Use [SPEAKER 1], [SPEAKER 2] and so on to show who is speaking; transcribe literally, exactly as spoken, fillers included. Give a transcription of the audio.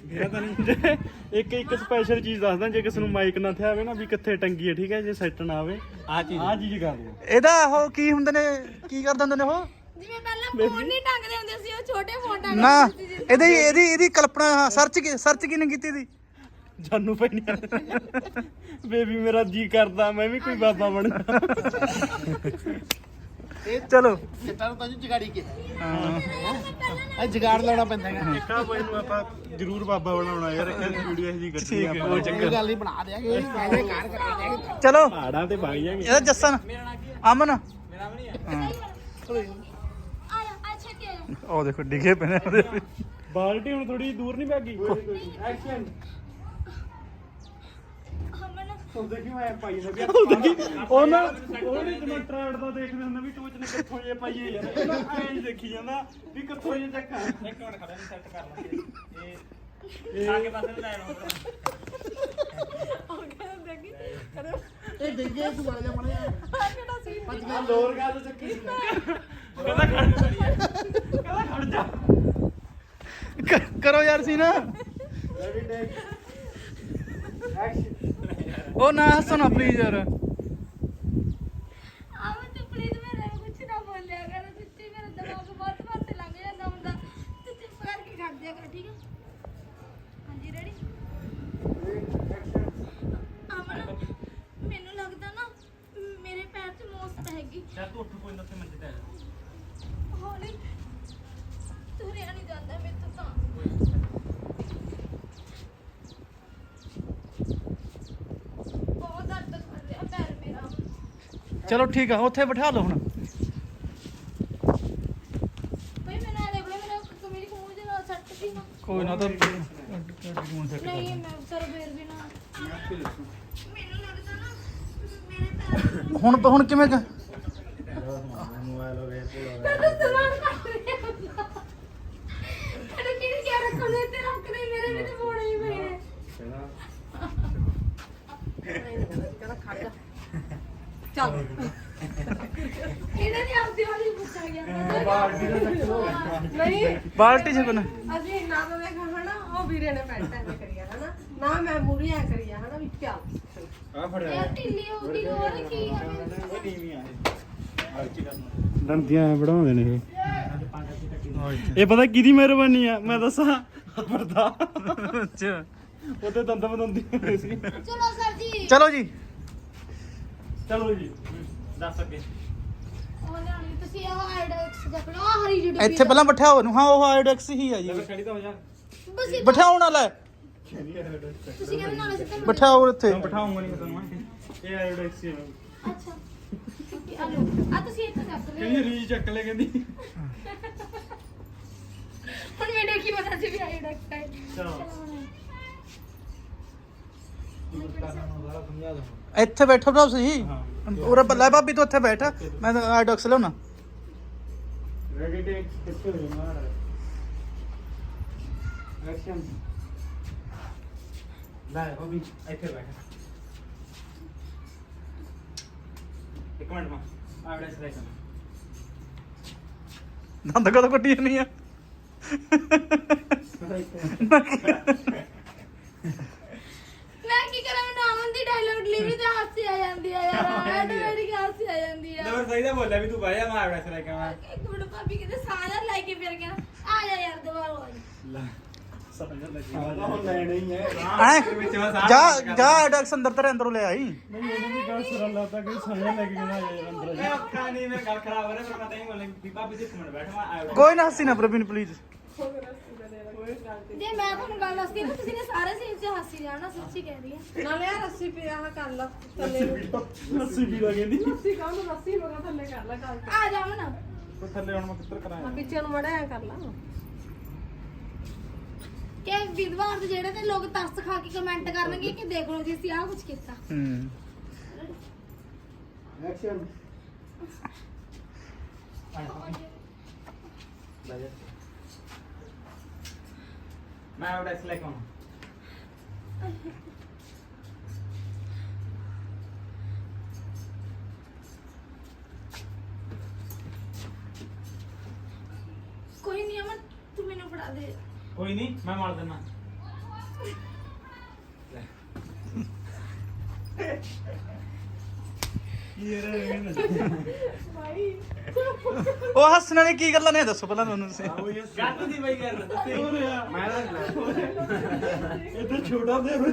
[SPEAKER 1] ਪਤਾ ਨਹੀਂ ਇੱਕ ਇੱਕ ਸਪੈਸ਼ਲ ਚੀਜ਼ ਦੱਸਦਾ ਜੇ ਕਿਸੇ ਨੂੰ ਮਾਈਕ ਨਾ ਥਿਆ ਆਵੇ ਨਾ ਵੀ ਕਿੱਥੇ ਟੰਗੀ ਹੈ ਠੀਕ ਹੈ ਜੇ ਸੈੱਟ ਨਾ ਆਵੇ ਆ ਚੀਜ਼ ਆ ਚੀਜ਼ ਕਰ ਲਓ
[SPEAKER 2] ਇਹਦਾ ਉਹ ਕੀ ਹੁੰਦੇ ਨੇ ਕੀ ਕਰ ਦਿੰਦੇ ਨੇ ਉਹ
[SPEAKER 3] ਜਿਵੇਂ ਪਹਿਲਾਂ ਫੋਨ ਨਹੀਂ ਟੰਗਦੇ ਹੁੰਦੇ ਸੀ ਉਹ ਛੋਟੇ ਫੋਨ ਟੰਗਦੇ
[SPEAKER 2] ਨਾ
[SPEAKER 3] ਸੀ ਜੀ।
[SPEAKER 2] ਇਹਦੀ ਇਹਦੀ ਇਹਦੀ ਕਲਪਨਾ ਸਰਚ ਸਰਚ ਕਿਨੇ ਕੀਤੀ ਦੀ
[SPEAKER 1] ਜਾਨੂ ਪੈਣੀ ਬੇਬੀ ਮੇਰਾ ਜੀ ਕਰਦਾ ਮੈਂ ਵੀ ਕੋਈ ਬਾਬਾ ਬਣਦਾ
[SPEAKER 2] ਚਲੋ
[SPEAKER 4] ਕਿਤਾਬ ਤਾਂ ਜਗਾੜੀ ਕੇ
[SPEAKER 2] ਹਾਂ
[SPEAKER 4] ਆ ਜਗਾੜ ਲਾਉਣਾ ਪੈਂਦਾ ਹੈਗਾ
[SPEAKER 1] ਦੇਖਾ ਬਾਈ ਨੂੰ ਆਪਾਂ ਜ਼ਰੂਰ ਬਾਬਾ ਬਣਾਉਣਾ ਯਾਰ ਇਹ ਵੀਡੀਓ ਜੀ ਕੱਢੀ ਆਪਾਂ
[SPEAKER 2] ਕੋਈ
[SPEAKER 4] ਕੋਈ ਗੱਲ ਨਹੀਂ ਬਣਾ ਦਿਆਂਗੇ ਕਹਿੰਦੇ ਕਾਰ ਕਰਾ ਦਿਆਂਗੇ
[SPEAKER 2] ਚਲੋ
[SPEAKER 1] ਪਹਾੜਾਂ ਤੇ ਵਗ ਜਾਗੇ
[SPEAKER 2] ਇਹਦਾ ਜੱਸਨ ਅਮਨ
[SPEAKER 3] ਆਇਆ ਅੱਛਾ ਕੀ ਆਇਆ
[SPEAKER 2] ਉਹ ਦੇਖੋ ਡਿੱਗੇ ਪਏ ਨੇ ਉਹਦੇ ਵੀ।
[SPEAKER 1] ਬਾਲਟੀ ਹੁਣ ਥੋੜੀ ਦੂਰ ਨਹੀਂ ਭਾਗੀ ਐਕਸ਼ਨ
[SPEAKER 3] ਹਮਨ
[SPEAKER 1] ਉਹ ਦੇਖੀ ਮੈਂ ਪਾਈ ਨਾ ਵੀ ਉਹ ਨਾ ਉਹਨੇ ਜਿਵੇਂ ਟ੍ਰੈਂਡ ਦਾ ਦੇਖਦੇ ਹੁੰਦੇ ਵੀ ਟੋਚ ਨੇ ਕਿੱਥੋਂ ਜੇ ਪਾਈਏ ਯਾਰ ਇਹ ਨਾ ਐਂ ਹੀ ਦੇਖੀ ਜਾਂਦਾ ਵੀ ਕਿੱਥੋਂ ਜੇ ਚੱਕਾ ਇੱਕ ਮਿੰਟ ਖੜਾ ਨਹੀਂ ਸੈੱਟ ਕਰ ਲਾਂਗੇ ਇਹ ਆ ਕੇ ਪਾਸੇ ਨੂੰ ਲੈ ਲਓ
[SPEAKER 3] ਉਹ ਕਹਿੰਦਾ ਦੇਖੀ
[SPEAKER 4] ਇਹ ਡਿੱਗੇ ਤੂੰ ਬਣ ਜਾ ਬਣ ਜਾ
[SPEAKER 3] ਆ ਕਿਹੜਾ ਸੀ
[SPEAKER 4] ਪੱਜ ਗਿਆ
[SPEAKER 1] ਲੋਰ ਗੱਲ ਚੱਕੀ ਸੀ ਕਹਿੰਦਾ ਖੜ ਕਹਿੰਦਾ ਖੜ ਜਾ
[SPEAKER 2] ਕ- ਕਰੋ ਯਾਰ ਸੀ ਨਾ
[SPEAKER 1] ਰੈਡੀ ਟੇਕ ਐਕਸ਼ਨ
[SPEAKER 2] ਉਹ ਨਾ ਹੱਸੋ ਨਾ ਪਲੀਜ਼ ਯਾਰ
[SPEAKER 3] ਆਵ ਤੂੰ ਪਲੀਜ਼ ਮੇਰੇ ਕੁਝ ਨਾ ਬੋਲਿਆ ਕਰ ਸੱਚੀ ਮੇਰਾ ਦਿਮਾਗ ਬਹੁਤ ਪਾਸੇ ਲੰਘ ਜਾਂਦਾ ਹੁੰਦਾ ਤੂੰ ਚੁੱਪ ਕਰਕੇ ਖੜ ਜਾ ਕਰ ਠੀਕ ਹੈ ਹਾਂਜੀ ਰੈਡੀ ਅਮਨ ਮੈਨੂੰ ਲੱਗਦਾ ਨਾ ਮੇਰੇ ਪੈਰ 'ਚ ਮੋਸ ਪੈ ਗਈ
[SPEAKER 1] ਚੱਲ ਤੂੰ ਉੱਠ ਕੋਈ ਨਾ ਤੇ ਮੰਜੇ ਤੇ ਆ ਜਾ
[SPEAKER 3] ਹੌਲੀ ਤੁਰਿਆ ਨਹੀਂ ਜਾਂਦਾ ਮੇਰੇ ਤੋਂ ਤਾਂ ਬਹੁਤ ਦਰਦ ਕਰ ਰਿਹਾ ਪੈਰ ਮੇਰਾ
[SPEAKER 2] ਚਲੋ ਠੀਕ ਆ ਉੱਥੇ ਬਿਠਾ ਲਓ ਹੁਣ
[SPEAKER 3] ਬਈ ਮੈਨੂੰ ਇਹ ਦੇਖ ਲੈ ਮੇਰਾ ਕਮੀਜ਼ ਖੂਨ ਦੇ ਨਾਲ ਸੱਟ ਸੀ ਨਾ
[SPEAKER 2] ਕੋਈ ਨਾ ਤਾਂ
[SPEAKER 3] ਨਹੀਂ ਮੈਂ ਸਰ ਫੇਰ ਵੀ ਨਾ ਮੈਨੂੰ ਲੱਗਦਾ ਨਾ ਮੇਰੇ ਪੈਰ
[SPEAKER 2] ਹੁਣ ਹੁਣ ਕਿਵੇਂ ਕ-
[SPEAKER 3] ਤੈਨੂੰ ਸਵਾਲ ਕਰ ਰਿਹਾ ਤੈਨੂੰ ਕਿਹਨੇ ਕਿਹਾ ਰੱਖਣੇ ਤੇ ਰੱਖ ਦੇ ਮੇਰੇ ਵੀ ਤੇ ਮੋੜੇ ਹੀ ਪਏ ਨੇ
[SPEAKER 5] ਚੱਲ
[SPEAKER 3] ਇਹਨਾਂ ਨੇ ਆਪਦੀ ਵਾਲੀ ਪੁੱਛਿਆ ਗਿਆ
[SPEAKER 5] ਨਹੀਂ
[SPEAKER 2] ਬਾਲਟੀ ਚ ਕੋਨਾ
[SPEAKER 5] ਅਸੀਂ ਨਾ ਤਾਂ ਦੇਖਾ ਹਨਾ ਉਹ ਵੀਰੇ ਨੇ ਪੈਂਟ ਐ ਕਰੀਆ ਹਨਾ ਨਾ ਮੈਂ ਮੂਰੀ ਐ ਕਰੀਆ ਹਨਾ ਵੀ ਚੱਲ
[SPEAKER 1] ਆ ਫੜਿਆ
[SPEAKER 3] ਯਾਰ ਢਿੱਲੀ ਹੋ ਗਈ ਹੋਰ ਕੀ ਹੈ
[SPEAKER 1] ਉਹ ਨੀਵੀਂ ਆ ਇਹ ਦੰਦੀਆਂ ਵੜਾਉਂਦੇ ਨੇ ਇਹ ਇਹ ਪਤਾ ਕਿਹਦੀ ਮਿਹਰਬਾਨੀ ਆ ਮੈਂ ਦੱਸਾਂ ਵਰਦਾ
[SPEAKER 2] ਅੱਛਾ
[SPEAKER 1] ਉਹਦੇ ਦੰਦ ਬਦੰਦੀ ਹੁੰਦੇ ਸੀ
[SPEAKER 3] ਚਲੋ ਸਰ ਜੀ
[SPEAKER 2] ਚਲੋ ਜੀ
[SPEAKER 1] ਚਲੋ ਜੀ ਦੱਸ ਅੱਗੇ
[SPEAKER 3] ਉਹ ਲਿਆਣੀ ਤੁਸੀਂ ਆਹ ਆਈਡੈਕਸ ਦੇਖ ਲਓ ਆਹ ਹਰੀ ਜਿਹੀ
[SPEAKER 2] ਇੱਥੇ ਪਹਿਲਾਂ ਬਿਠਾਓ ਉਹਨੂੰ ਹਾਂ ਉਹ ਆਇਡੈਕਸ ਹੀ ਆ ਜੀ
[SPEAKER 1] ਖੜੀ ਤਾਂ ਹੋ ਜਾ
[SPEAKER 3] ਬਸ ਇਹ
[SPEAKER 2] ਬਿਠਾਉਣ ਵਾਲਾ ਹੈ।
[SPEAKER 3] ਤੁਸੀਂ ਕਹਿੰਦੇ ਨਾਲ ਸਿੱਧਾ
[SPEAKER 2] ਬਿਠਾਓ ਇੱਥੇ
[SPEAKER 1] ਬਿਠਾਉਂਗਾ ਨਹੀਂ ਤੁਹਾਨੂੰ ਇਹ ਆਇਓਡੈਕਸ ਹੀ
[SPEAKER 3] ਅੱਛਾ ਆ ਲਓ ਆ ਤੁਸੀਂ ਇੱਥੇ ਚੱਕ ਲਿਓ
[SPEAKER 1] ਕਹਿੰਦੀ ਰੀਜ ਚੱਕ ਲੈ ਕਹਿੰਦੀ
[SPEAKER 3] ਹੁਣ ਮੈਨੂੰ ਕੀ ਪਤਾ ਸੀ ਵੀ ਆਈਡੈਕਸ ਹੈ
[SPEAKER 1] ਚਲੋ
[SPEAKER 2] ਇੱਥੇ ਬੈਠੋ ਭਰਾ ਤੁਸੀਂ
[SPEAKER 1] ਹਾਂ
[SPEAKER 2] ਉਰੇ ਬੱਲਾ ਭਾਬੀ ਤੂੰ ਇੱਥੇ ਬੈਠ ਮੈਂ ਆਇਡੈਕਸ ਲਿਆਉਣਾ
[SPEAKER 1] ਰੈਡੀ ਟੇਕ ਕਿੱਥੇ ਹੋ ਮਾਰ ਐਕਸ਼ਨ ਲੈ ਉਹ ਵੀ ਇੱਥੇ ਬੈਠ ਇੱਕ ਮਿੰਟ ਮਾ ਆਵੜੇ ਸਲਾਈ ਕਰ
[SPEAKER 2] ਦੰਦ ਕਦੋਂ ਕੱਟੀ ਜਾਨੀ ਆ
[SPEAKER 3] ਮੈਂ ਕੀ ਕਰਾਂ ਮੈਨੂੰ ਅਮਨ ਦੀ ਡਾਇਲੌਗ ਡਿਲੀਵਰੀ ਤੇ ਹਾਸੀ ਆ ਜਾਂਦੀ ਆ ਯਾਰ ਆਟੋਮੈਟਿਕ ਹਾਸੀ ਆ ਜਾਂਦੀ ਆ
[SPEAKER 1] ਨੰਬਰ ਸਹੀ ਦਾ ਬੋਲਿਆ ਵੀ ਤੂੰ ਬਾਇਆ ਮੈਂ ਆਵੜੇ ਸਲਾਈ ਕਰਾਂ
[SPEAKER 3] ਇੱਕ ਮਿੰਟ ਭਾਬੀ ਕਿਤੇ ਸਾਰਾ ਲੈ ਕੇ ਫਿਰ ਗਿਆ ਆ ਜਾ ਯਾਰ ਦੁਬਾਰਾ ਆ ਜਾ
[SPEAKER 1] ਲੈ ਸਮਝ ਲੱਗੀ ਹੁਣ ਲੈਣਾ ਹੀ ਹੈ
[SPEAKER 2] ਹੈਂ? ਜਾ ਜਾ ਆਇਡੈਕਸ ਅੰਦਰ ਤੇਰੇ ਅੰਦਰੋਂ ਲੈ ਆਈ
[SPEAKER 1] ਨਹੀਂ ਉਹਨੂੰ ਵੀ ਗੱਲ ਸਰਲ ਲੱਗਦਾ ਕਿ ਸਾਇਆ ਲੈ ਕੇ ਜਾਣਾ ਯਾਰ ਅੰਦਰ ਮੈਂ ਅੱਖਾਂ ਨਹੀਂ ਮੇਰਾ ਗੱਲ ਖਰਾਬ ਹੋ ਰਿਹਾ ਪਰ ਮੈਂ ਤਾਂ ਹੀ ਬੋਲਿਆ ਵੀ ਭਾਬੀ ਜੀ ਇੱਕ ਮਿੰਟ ਬੈਠ ਮੈਂ ਆਵੜੇ
[SPEAKER 2] ਕੋਈ ਨਾ ਹੱਸੀ ਨਾ ਪ੍ਰਵੀਨ ਪਲੀਜ਼
[SPEAKER 3] ਜੇ ਮੈਂ ਤੁਹਾਨੂੰ ਗੱਲ ਦੱਸਦੀ ਨਾ ਤੁਸੀਂ ਨੇ ਸਾਰੇ ਸੀਨ 'ਚ ਹਾਸੀ ਜਾਣਾ ਸੱਚੀ ਕਹਿ ਰਹੀ ਆ
[SPEAKER 5] ਨਾਲੇ ਆ ਰੱਸੀ ਪਿਆ ਆਹ ਕਰ ਲਾ ਥੱਲੇ ਨੂੰ
[SPEAKER 1] ਲੱਸੀ ਵੀ ਲੱਗਦੀ
[SPEAKER 5] ਰੱਸੀ ਕਾਹਨੂੰ ਰੱਸੀ ਮਗਾ ਥੱਲੇ ਕਰ ਲਾ ਕਰ
[SPEAKER 3] ਆ ਜਾ ਅਮਨ
[SPEAKER 1] ਕੋਈ ਥੱਲੇ ਹੁਣ ਮੈਂ ਕਿੱਧਰ ਕਰਾਂ
[SPEAKER 5] ਆ ਪਿੱਛੇ ਨੂੰ ਮੜਿਆ ਕਰ ਲਾ
[SPEAKER 3] ਕਿ ਵਿਦਵਾਨ ਜਿਹੜੇ ਤੇ ਲੋਕ ਤਰਸ ਖਾ ਕੇ ਕਮੈਂਟ ਕਰਨਗੇ ਕਿ ਦੇਖ ਲਓ ਜੀ ਅਸੀਂ ਆਹ ਕੁਝ ਕੀਤਾ
[SPEAKER 2] ਹੂੰ
[SPEAKER 1] ਐਕਸ਼ਨ ਮੈਂ ਆਵੜੇ ਸਲਾਈ ਕਰਾਂ
[SPEAKER 3] ਕੋਈ ਨਹੀਂ ਅਮਨ ਤੂੰ ਮੈਨੂੰ ਫੜਾ ਦੇ
[SPEAKER 1] ਕੋਈ ਨਹੀਂ ਮੈਂ ਮਾਰ ਦਿੰਦਾ
[SPEAKER 2] ਉਹ ਹੱਸਣ ਵਾਲੀ ਕੀ ਗੱਲਾਂ ਨੇ ਦੱਸੋ ਪਹਿਲਾਂ ਤੁਹਾਨੂੰ ਤੁਸੀਂ
[SPEAKER 1] ਗੱਲ ਦੀ ਬਈ ਗੱਲ ਦੱਸੇ ਮੈਂ ਇੱਧਰ ਛੋਟਾ ਦੇ